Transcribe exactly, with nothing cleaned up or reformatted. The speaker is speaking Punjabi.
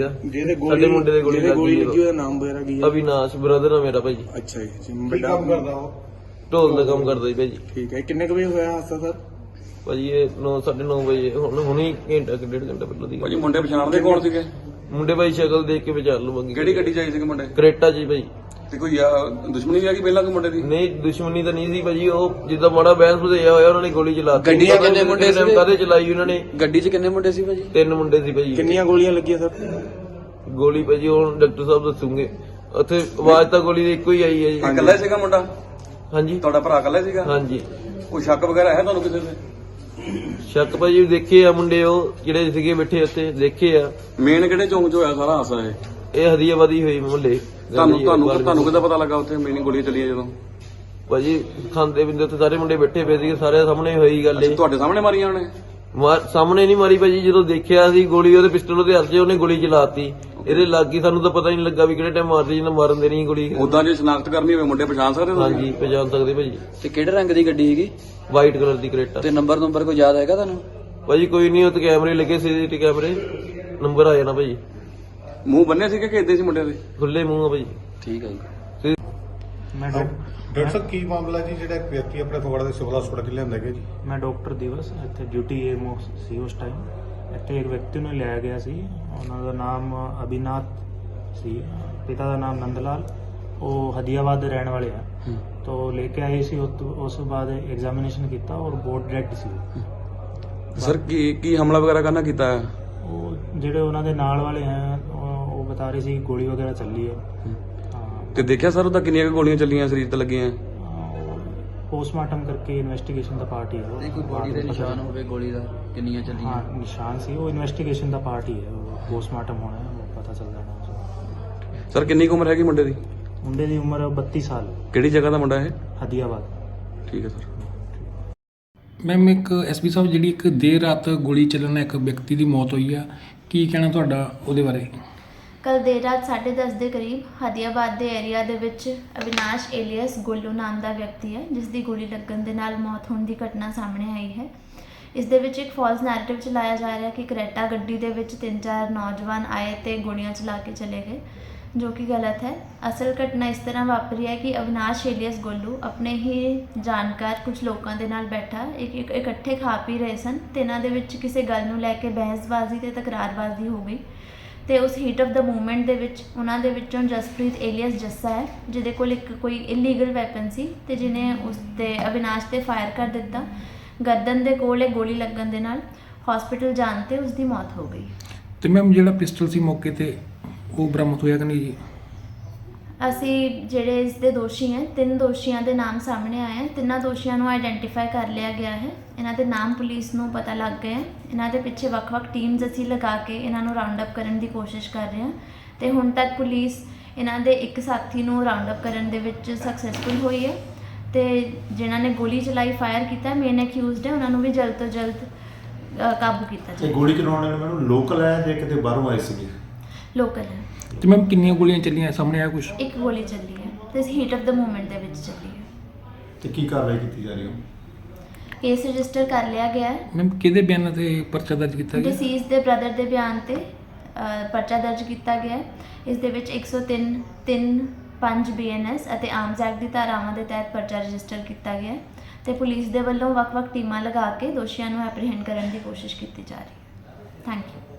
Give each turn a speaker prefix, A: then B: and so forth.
A: ਆ।
B: ਜਿਹਦੇ
A: ਸਾਡੇ ਮੁੰਡੇ ਦੇ ਗੋਲੀ
B: ਗੋਲੀ
A: ਲੱਗੀ
B: ਲੱਗੀ ਉਹਦਾ ਨਾਮ ਵਗੈਰਾ ਕੀ ਹੈ?
A: ਅਵਿਨਾਸ਼ ਬ੍ਰਦਰ ਆ ਮੇਰਾ ਭਾਈ।
B: ਅੱਛਾ ਜੀ। ਕੀ ਕੰਮ ਕਰਦਾ ਉਹ?
A: ਢੋਲ ਦਾ ਕੰਮ ਕਰਦਾ ਜੀ ਭਾਈ।
B: ਠੀਕ ਹੈ। ਕਿੰਨੇ ਕੁ ਵਜੇ ਹੋਇਆ ਹਾਦਸਾ ਸਰ?
A: ਭਾਜੀ ਇਹ ਨੌ ਸਾਢੇ ਨੌ ਵਜੇ ਹੁਣ ਹੁਣੀ ਘੰਟਾ ਕਿ ਡੇਢ ਘੰਟਾ ਪਹਿਲਾਂ ਦੀ।
C: ਭਾਜੀ ਮੁੰਡੇ ਪਛਾਣਦੇ ਕੌਣ ਸੀਗੇ?
A: ਮੁੰਡੇ ਭਾਈ ਸ਼ਕਲ ਦੇਖ ਕੇ ਵਿਚਾਰ ਲਵਾਂਗੇ।
C: ਕਿਹੜੀ ਗੱਡੀ ਚਾਹੀ ਸੀਗੇ ਮੁੰਡੇ?
A: ਕਰੇਟਾ ਜੀ ਭਾਈ।
C: ਤੇ ਕੋਈ ਆ, ਦੁਸ਼ਮਣੀ ਆ ਗਈ ਪਹਿਲਾਂ ਕੋਈ ਮੁੰਡੇ ਦੀ?
A: ਨਹੀਂ ਦੁਸ਼ਮਣੀ ਤਾਂ ਨਹੀਂ ਸੀ ਭਾਜੀ, ਉਹ ਜਿੱਦਾਂ ਮਾੜਾ ਬਹਿਸ ਭਜਿਆ ਹੋਇਆ ਉਹਨਾਂ ਨੇ ਗੋਲੀ ਚਲਾਤੀ।
D: ਗੱਡੀ 'ਚ ਕਿੰਨੇ ਮੁੰਡੇ ਸੀ?
A: ਕਾਹਦੇ ਚਲਾਈ ਉਹਨਾਂ ਨੇ?
D: ਗੱਡੀ 'ਚ ਕਿੰਨੇ ਮੁੰਡੇ ਸੀ ਭਾਜੀ?
A: ਤਿੰਨ ਮੁੰਡੇ ਸੀ ਭਾਜੀ।
B: ਕਿੰਨੀਆਂ ਗੋਲੀਆਂ ਲੱਗੀਆਂ ਸਰ?
A: ਗੋਲੀ ਭਾਜੀ ਹੁਣ ਡਾਕਟਰ ਸਾਹਿਬ ਦੱਸੂਗੇ। ਉੱਥੇ ਆਵਾਜ਼ ਤਾਂ ਗੋਲੀ ਦੀ ਇੱਕੋ ਹੀ ਆਈ ਹੈ ਜੀ।
C: ਇਕੱਲਾ ਹੀ ਸੀਗਾ ਮੁੰਡਾ?
A: ਹਾਂਜੀ
C: ਤੁਹਾਡਾ ਭਰਾ ਇਕੱਲਾ ਹੀ ਸੀਗਾ?
A: ਹਾਂਜੀ।
C: ਕੋਈ ਸ਼ੱਕ ਵਗੈਰਾ ਹੈ ਤੁਹਾਨੂੰ ਕਿਸੇ ਤੇ?
A: ਸ਼ੱਕ ਭਾਜੀ ਦੇਖੇ ਆ ਮੁੰਡੇ ਉਹ ਜਿਹੜੇ ਸੀਗੇ ਬੈਠੇ ਉੱਤੇ ਦੇਖੇ ਆ।
C: ਮੇਨ ਕਿਹੜੇ ਚੌਂਕ 'ਚ ਹੋਇਆ ਸਾਰਾ ਹਾਦਸਾ ਇਹ?
A: ਇਹ ਹਦੀਆਬਾਦੀ ਹੋਈ ਮੁਹੱਲੇ।
C: ਤੁਹਾਨੂੰ ਤੁਹਾਨੂੰ ਤੁਹਾਨੂੰ ਕਿੱਦਾਂ ਪਤਾ ਲੱਗਾ ਉੱਥੇ ਮੇਨ ਗੋਲੀਆਂ ਚੱਲੀਆਂ ਜਦੋਂ?
A: ਭਾਜੀ ਖਾਂਦੇ ਪਿੰਦੇ ਉੱਥੇ ਸਾਰੇ ਮੁੰਡੇ ਬੈਠੇ ਪਏ ਸੀਗੇ, ਸਾਰੇ ਸਾਹਮਣੇ ਹੋਈ ਗੱਲ ਇਹ।
C: ਤੁਹਾਡੇ ਸਾਹਮਣੇ ਮਾਰੀਆਂ ਉਹਨੇ?
A: ਮਾਰ ਸਾਹਮਣੇ ਨਹੀਂ ਮਾਰੀ ਭਾਜੀ, ਜਦੋਂ ਦੇਖਿਆ ਸੀ ਗੋਲੀ ਉਹਦੇ ਪਿਸਟਲ ਉਹਦੇ ਹੱਥ 'ਚ, ਉਹਨੇ ਗੋਲੀ ਚਲਾਤੀ। ਇਹਦੇ ਲੱਗ ਗਈ, ਸਾਨੂੰ ਤਾਂ ਪਤਾ ਹੀ ਨਹੀਂ ਲੱਗਾ ਵੀ ਕਿਹੜੇ ਟਾਈਮ ਮਾਰਦੀ ਜਿਹਨੇ ਮਾਰਨ ਦੇਣੀ ਗੋਲੀ।
C: ਉਦਾਂ ਜੇ ਸ਼ਨਾਖਤ ਕਰਨੀ ਹੋਵੇ ਮੁੰਡੇ ਪਛਾਣ ਸਕਦੇ ਹੋ?
A: ਹਾਂਜੀ ਪਛਾਣ ਸਕਦੇ ਭਾਜੀ।
D: ਤੇ ਕਿਹੜੇ ਰੰਗ ਦੀ ਗੱਡੀ ਹੈਗੀ?
A: ਵਾਈਟ ਕਲਰ ਦੀ ਕਰੇਟਾ।
D: ਤੇ ਨੰਬਰ ਨੰਬਰ ਕੋਈ ਯਾਦ ਹੈਗਾ ਤੁਹਾਨੂੰ?
A: ਭਾਜੀ ਕੋਈ ਨਹੀਂ, ਉੱਥੇ ਕੈਮਰੇ ਲੱਗੇ ਸੀਸੀਟੀਵੀ ਕੈਮਰੇ, ਨੰਬਰ ਆ ਜਾਣਾ ਭਾਜੀ।
C: ਮੂੰਹ ਬੰਨੇ ਸੀਗੇ ਕਿ ਏਦਾਂ ਸੀ ਮੁੰਡੇ ਦੇ?
A: ਖੁੱਲੇ ਮੂੰਹ ਆ ਭਾਜੀ।
D: ਠੀਕ ਹੈ ਜੀ।
E: ਮੈਂ ਡਾਕਟਰ ਸਾਹਿਬ ਕੀ ਮਾਮਲਾ ਜੀ ਜਿਹੜਾ ਇੱਕ ਵਿਅਕਤੀ ਆਪਣੇ ਫਗਵਾੜਾ ਦੇ ਸਿਵਲ ਹਸਪਤਾਲ ਚ ਲਿਆਂਦਾ ਗਿਆ ਜੀ?
F: ਮੈਂ ਡਾਕਟਰ ਦਿਵਸ ਇੱਥੇ ਡਿਊਟੀ ਏਐਮਓ ਸੀ ਉਸ ਟਾਈਮ। ਇੱਥੇ ਇੱਕ ਵਿਅਕਤੀ ਨੂੰ ਲਿਆਇਆ ਗਿਆ ਸੀ, ਉਹਨਾਂ ਦਾ ਨਾਮ ਅਭਿਨਾਥ ਸੀ, ਪਿਤਾ ਦਾ ਨਾਮ ਨੰਦਲਾਲ। ਉਹ ਹਦੀਆਬਾਦ ਦੇ ਰਹਿਣ ਵਾਲੇ ਆ। ਤੋਂ ਲੈ ਕੇ ਆਏ ਸੀ, ਉਸ ਤੋਂ ਬਾਅਦ ਐਗਜ਼ਾਮੀਨੇਸ਼ਨ ਕੀਤਾ ਔਰ ਬੋਰਡ ਡੈਡ ਸੀ।
C: ਸਰ ਕੀ ਕੀ ਹਮਲਾ ਵਗੈਰਾ ਕਰਨਾ ਕੀਤਾ ਹੈ?
F: ਉਹ ਜਿਹੜੇ ਉਹਨਾਂ ਦੇ ਨਾਲ ਵਾਲੇ ਹੈ ਉਹ ਉਹ ਬਤਾ ਰਹੇ ਸੀ ਗੋਲੀ ਵਗੈਰਾ ਚੱਲੀ ਹੈ। ਹਾਂ,
C: ਤੇ ਦੇਖਿਆ ਸਰ ਉਹਦਾ ਕਿੰਨੀਆਂ ਕੁ ਗੋਲੀਆਂ ਚੱਲੀਆਂ ਸਰੀਰ ਤੇ ਲੱਗੀਆਂ?
F: ਪੋਸਟਮਾਰਟਮ ਕਰਕੇ ਇਨਵੈਸਟੀਗੇਸ਼ਨ ਦਾ ਪਾਰਟ ਹੀ ਹੈ ਉਹ।
D: ਨਹੀਂ ਕੋਈ ਬੋਡੀ ਦੇ ਨਿਸ਼ਾਨ ਹੋਵੇ ਗੋਲੀ ਦਾ ਕਿੰਨੀਆਂ ਚੱਲੀਆਂ?
F: ਹਾਂ ਨਿਸ਼ਾਨ ਸੀ, ਉਹ ਇਨਵੈਸਟੀਗੇਸ਼ਨ ਦਾ ਪਾਰਟ ਹੀ ਹੈ। ਉਹ ਪੋਸਟਮਾਰਟਮ ਹੋਣਾ ਹੈ, ਉਹ ਪਤਾ ਚੱਲ ਜਾਣਾ।
C: ਸਰ ਕਿੰਨੀ ਕੁ ਉਮਰ ਹੈਗੀ ਮੁੰਡੇ ਦੀ?
F: ਮੁੰਡੇ ਦੀ ਉਮਰ ਬੱਤੀ ਸਾਲ।
C: ਕਿਹੜੀ ਜਗ੍ਹਾ ਦਾ ਮੁੰਡਾ ਇਹ?
F: ਹਦੀਆਬਾਦ।
C: ਠੀਕ ਹੈ ਸਰ।
G: ਮੈਮ ਇੱਕ ਐਸਪੀ ਸਾਹਿਬ, ਜਿਹੜੀ ਇੱਕ ਦੇਰ ਰਾਤ ਗੋਲੀ ਚੱਲਣ ਨਾਲ ਇੱਕ ਵਿਅਕਤੀ ਦੀ ਮੌਤ ਹੋਈ ਆ, ਕੀ ਕਹਿਣਾ ਤੁਹਾਡਾ ਉਹਦੇ ਬਾਰੇ?
H: ਕੱਲ ਦੇਰ ਰਾਤ ਸਾਢੇ ਦਸ ਦੇ ਕਰੀਬ ਹਦੀਆਬਾਦ ਦੇ ਏਰੀਆ ਦੇ ਵਿੱਚ ਅਵਿਨਾਸ਼ ਏਲੀਅਸ ਗੋਲੂ ਨਾਮ ਦਾ ਵਿਅਕਤੀ ਹੈ, ਜਿਸ ਦੀ ਗੋਲੀ ਲੱਗਣ ਦੇ ਨਾਲ ਮੌਤ ਹੋਣ ਦੀ ਘਟਨਾ ਸਾਹਮਣੇ ਆਈ ਹੈ। ਇਸ ਦੇ ਵਿੱਚ ਇੱਕ ਫਾਲਸ ਨੈਰੇਟਿਵ ਚਲਾਇਆ ਜਾ ਰਿਹਾ ਕਿ ਕਰੇਟਾ ਗੱਡੀ ਦੇ ਵਿੱਚ ਤਿੰਨ ਚਾਰ ਨੌਜਵਾਨ ਆਏ ਤੇ ਗੋਲੀਆਂ ਚਲਾ ਕੇ ਚਲੇ ਗਏ, ਜੋ ਕਿ ਗਲਤ ਹੈ। ਅਸਲ ਘਟਨਾ ਇਸ ਤਰ੍ਹਾਂ ਵਾਪਰੀ ਹੈ ਕਿ ਅਵਿਨਾਸ਼ ਏਲੀਅਸ ਗੋਲੂ ਆਪਣੇ ਹੀ ਜਾਣਕਾਰ ਕੁਝ ਲੋਕਾਂ ਦੇ ਨਾਲ ਬੈਠਾ ਇੱਕ ਇੱਕ ਇਕੱਠੇ ਖਾ ਪੀ ਰਹੇ ਸਨ, ਤੇ ਇਹਨਾਂ ਦੇ ਵਿੱਚ ਕਿਸੇ ਗੱਲ ਨੂੰ ਲੈ ਕੇ ਬਹਿਸਬਾਜ਼ੀ ਤੇ ਤਕਰਾਰਬਾਜ਼ੀ ਹੋ ਗਈ। ਤੇ ਉਸ ਹੀਟ ਆਫ ਦਾ ਮੂਵਮੈਂਟ ਦੇ ਵਿੱਚ ਉਹਨਾਂ ਦੇ ਵਿੱਚੋਂ ਜਸਪ੍ਰੀਤ ਏਲੀਅਸ ਜੱਸਾ ਹੈ, ਜਿਹਦੇ ਕੋਲ ਇੱਕ ਕੋਈ ਇਲੀਗਲ ਵੈਪਨ ਸੀ, ਤੇ ਜਿਹਨੇ ਉਸ 'ਤੇ ਅਵਿਨਾਸ਼ 'ਤੇ ਫਾਇਰ ਕਰ ਦਿੱਤਾ। ਗਰਦਨ ਦੇ ਕੋਲ ਇਹ ਗੋਲੀ ਲੱਗਣ ਦੇ ਨਾਲ ਹਸਪੀਟਲ ਜਾਣ 'ਤੇ ਉਸ ਦੀ ਮੌਤ ਹੋ ਗਈ।
G: ਤੇ ਮੈਮ ਜਿਹੜਾ ਪਿਸਟਲ ਸੀ ਮੌਕੇ ਤੇ ਉਹ ਬਰਾਮਦ ਹੋਇਆ ਕਿ ਨਹੀਂ ਜੀ?
H: ਅਸੀਂ ਜਿਹੜੇ ਇਸ ਦੇ ਦੋਸ਼ੀ ਹੈ, ਤਿੰਨ ਦੋਸ਼ੀਆਂ ਦੇ ਨਾਮ ਸਾਹਮਣੇ ਆਏ ਹਨ। ਤਿੰਨਾਂ ਦੋਸ਼ੀਆਂ ਨੂੰ ਆਈਡੈਂਟੀਫਾਈ ਕਰ ਲਿਆ ਗਿਆ ਹੈ। ਇਹਨਾਂ ਦੇ ਨਾਮ ਪੁਲਿਸ ਨੂੰ ਪਤਾ ਲੱਗ ਗਏ ਹੈ। ਇਹਨਾਂ ਦੇ ਪਿੱਛੇ ਵੱਖ-ਵੱਖ ਟੀਮਸ ਅਸੀਂ ਲਗਾ ਕੇ ਇਹਨਾਂ ਨੂੰ ਰਾਉਂਡ ਅਪ ਕਰਨ ਦੀ ਕੋਸ਼ਿਸ਼ ਕਰ ਰਹੇ ਹਾਂ, ਤੇ ਹੁਣ ਤੱਕ ਪੁਲਿਸ ਇਹਨਾਂ ਦੇ ਇੱਕ ਸਾਥੀ ਨੂੰ ਰਾਉਂਡ ਅਪ ਕਰਨ ਦੇ ਵਿੱਚ ਸਕਸੈਸਫੁਲ ਹੋਈ ਹੈ, ਤੇ ਜਿਨ੍ਹਾਂ ਨੇ ਗੋਲੀ ਚਲਾਈ ਫਾਇਰ ਕੀਤਾ ਮੇਨ ਅਕਿਊਜ਼ਡ ਹੈ, ਉਹਨਾਂ ਨੂੰ ਵੀ ਜਲਦ ਤੋਂ ਜਲਦ ਅ, ਕਾਬੂ ਕੀਤਾ ਜਾਏ।
E: ਗੋਲੀ ਚਲਾਉਣ ਵਾਲੇ ਮੈਨੂੰ ਲੋਕਲ ਹੈ ਜਾਂ ਕਿਤੇ ਬਾਹਰੋਂ ਆਏ ਸੀਗੇ?
H: ਲੋਕਲ ਹੈ।
G: ਤੇ ਮੈਮ ਕਿੰਨੀਆਂ ਗੋਲੀਆਂ ਚੱਲੀਆਂ ਸਾਹਮਣੇ ਆਇਆ ਕੁਝ?
H: ਇੱਕ ਗੋਲੀ ਚੱਲੀ ਹੈ ਤੇ ਹੀਟ ਆਫ ਦਾ ਮੂਵਮੈਂਟ ਦੇ ਵਿੱਚ ਚੱਲੀ ਹੈ।
E: ਤੇ ਕੀ ਕਾਰਵਾਈ ਕੀਤੀ ਜਾ ਰਹੀ ਹੈ?
H: ਕੇਸ ਰਜਿਸਟਰ ਕਰ ਲਿਆ ਗਿਆ ਹੈ।
G: ਮੈਮ ਕਿਹਦੇ ਬਿਆਨਾਂ ਤੇ ਪਰਚਾ ਦਰਜ ਕੀਤਾ ਗਿਆ?
H: ਡਿਸੀਜ਼ ਦੇ ਬ੍ਰਦਰ ਦੇ ਬਿਆਨ ਤੇ ਅ, ਪਰਚਾ ਦਰਜ ਕੀਤਾ ਗਿਆ ਹੈ। ਇਸ ਦੇ ਵਿੱਚ ਇੱਕ ਸੌ ਤਿੰਨ ਤਿੰਨ ਪੰਜ ਬੀ ਐਨ ਐਸ ਅਤੇ ਆਰਮਸ ਐਕਟ ਦੀ ਧਾਰਾਵਾਂ ਦੇ ਤਹਿਤ ਪਰਚਾ ਰਜਿਸਟਰ ਕੀਤਾ ਗਿਆ ਹੈ, ਤੇ ਪੁਲਿਸ ਦੇ ਵੱਲੋਂ ਵੱਖ-ਵੱਖ ਟੀਮਾਂ ਲਗਾ ਕੇ ਦੋਸ਼ੀਆਂ ਨੂੰ ਐਪਰੀਹੈਂਡ ਕਰਨ ਦੀ ਕੋਸ਼ਿਸ਼ ਕੀਤੀ ਜਾ ਰਹੀ ਹੈ। Thank you.